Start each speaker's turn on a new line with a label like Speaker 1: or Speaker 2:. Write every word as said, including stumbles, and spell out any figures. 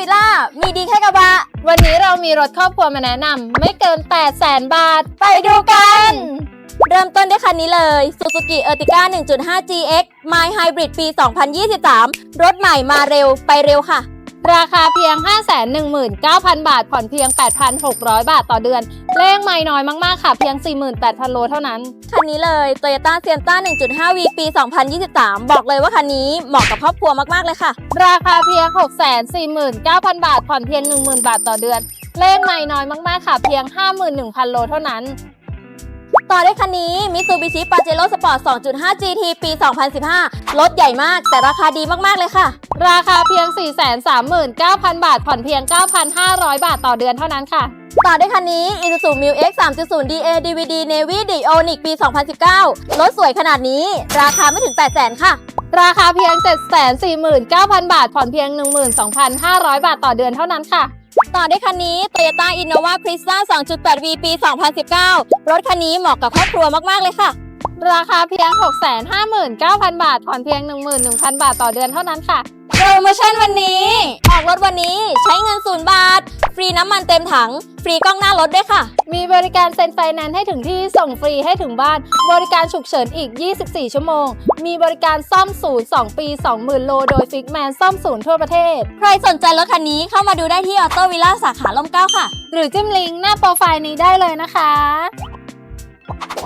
Speaker 1: วิลล่ามีดีแค่กระบะ
Speaker 2: วันนี้เรามีรถครอบครัวมาแนะนำไม่เกิน แปดแสน บาทไปดูกัน
Speaker 1: เริ่มต้นด้วยคันนี้เลย Suzuki Ertiga หนึ่งจุดห้า จี เอ็กซ์ My Hybrid ปี สองพันยี่สิบสาม รถใหม่มาเร็วไปเร็วค่ะ
Speaker 2: ราคาเพียง ห้าแสนหนึ่งหมื่นเก้าพัน บาทผ่อนเพียง แปดพันหกร้อย บาทต่อเดือนเลขไม่น้อยมากๆค่ะเพียง สี่หมื่นแปดพัน โลเท่านั้น
Speaker 1: คันนี้เลย Toyota Sienna หนึ่งจุดห้า วี ปี สองพันยี่สิบสาม บอกเลยว่าคันนี้เหมาะกับครอบครัวมากๆเลยค่ะ
Speaker 2: ราคาเพียง หกแสนสี่หมื่นเก้าพัน บาทผ่อนเพียง หนึ่งหมื่น บาทต่อเดือนเลขไม่น้อยมากๆค่ะเพียง ห้าหมื่นหนึ่งพัน โลเท่านั้น
Speaker 1: ต่อด้วยคันนี้ Mitsubishi Pajero Sport สองจุดห้า จี ที ปี สองพันสิบห้า รถใหญ่มากแต่ราคาดีมากๆเลยค่ะ
Speaker 2: ราคาเพียง สี่แสนสามหมื่นเก้าพัน บาทผ่อนเพียง เก้าพันห้าร้อย บาทต่อเดือนเท่านั้นค่ะ
Speaker 1: ต่อด้วยคันนี้ Isuzu Mu-X สามจุดศูนย์ ดี เอ ดี วี ดี Navy Dionic ปี สองพันสิบเก้า รถสวยขนาดนี้ราคาไม่ถึง แปดแสน ค่ะ
Speaker 2: ราคาเพียง เจ็ดแสนสี่หมื่นเก้าพัน บาทผ่อนเพียง หนึ่งหมื่นสองพันห้าร้อย บาทต่อเดือนเท่านั้นค่ะ
Speaker 1: ต่อด้วยคันนี้ Toyota Innova Crista สองจุดแปด วี ปี สองพันสิบเก้า รถคันนี้เหมาะกับครอบครัวมากๆเลยค่ะ
Speaker 2: ราคาเพียง หกแสนห้าหมื่นเก้าพัน บาทผ่อนเพียง หนึ่งหมื่นหนึ่งพัน บาทต่อเดือนเท่านั้นค่ะ
Speaker 1: โปรโมชั่นวันนี้ออกรถวันนี้ใช้เงินศูนย์บาทฟรีน้ำมันเต็มถังฟรีกล้องหน้ารถด้วยค่ะ
Speaker 2: มีบริการเซ็นไฟแนนซ์ให้ถึงที่ส่งฟรีให้ถึงบ้านบริการฉุกเฉินอีกยี่สิบสี่ชั่วโมงมีบริการซ่อมศูนย์ สอง ปี สองหมื่น โลโดยฟิกแมนซ่อมศูนย์ทั่วประเทศ
Speaker 1: ใครสนใจรถคันนี้เข้ามาดูได้ที่ออโต้วิลล่าสาขาล่มเกล้าค่ะ
Speaker 2: หรือจิ้มลิงก์หน้าโปรไฟล์นี้ได้เลยนะคะ